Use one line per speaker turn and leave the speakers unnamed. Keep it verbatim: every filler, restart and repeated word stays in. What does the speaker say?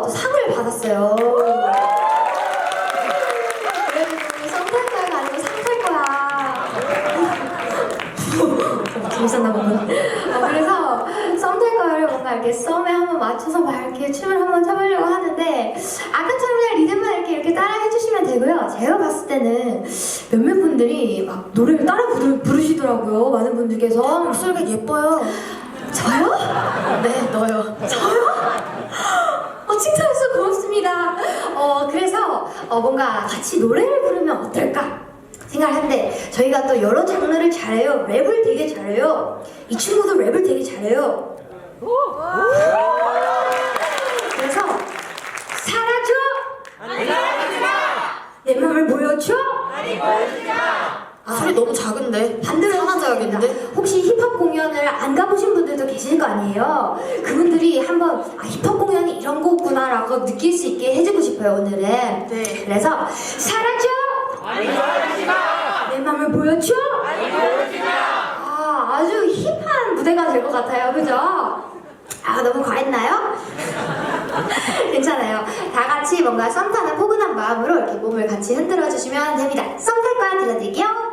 또 상을 받았어요. 그래가지고 썸 탈 거야가 아니고 상 탈 거야. 재밌었나 보군. 어, 그래서 썸 탈 거야를 뭔가 이렇게 썸에 한번 맞춰서 막 이렇게 춤을 한번 춰보려고 하는데 아까처럼 그냥 리듬만 이렇게 이렇게 따라 해주시면 되고요. 제가 봤을 때는 몇몇 분들이 막 노래를 따라 부르, 부르시더라고요. 많은 분들께서.
목소리가 예뻐요.
저요?
네, 너요.
저요? 어, 칭찬해주셔서 고맙습니다. 어, 그래서 어, 뭔가 같이 노래를 부르면 어떨까 생각을 하는데 저희가 또 여러 장르를 잘해요. 랩을 되게 잘해요. 이 친구도 랩을 되게 잘해요. 그래서 사라져! 내 맘을 보여줘!
아, 소리 너무 작은데.
반대로
사라져야겠는데?
해주겠습니다. 혹시 힙합 공연을 안 가보신 분들도 계실 거 아니에요? 그분들이 한번 아, 힙합 공연이 이런 거구나 라고 느낄 수 있게 해주고 싶어요 오늘은.
네.
그래서 사라져! 내 맘을 보여줘! 아, 아주 힙한 무대가 될 것 같아요. 그죠? 아, 너무 과했나요? 괜찮아요. 다 같이 뭔가 썸 타는 포근한 마음으로 이렇게 몸을 같이 흔들어 주시면 됩니다. 썸 탈 거야 들려드릴게요.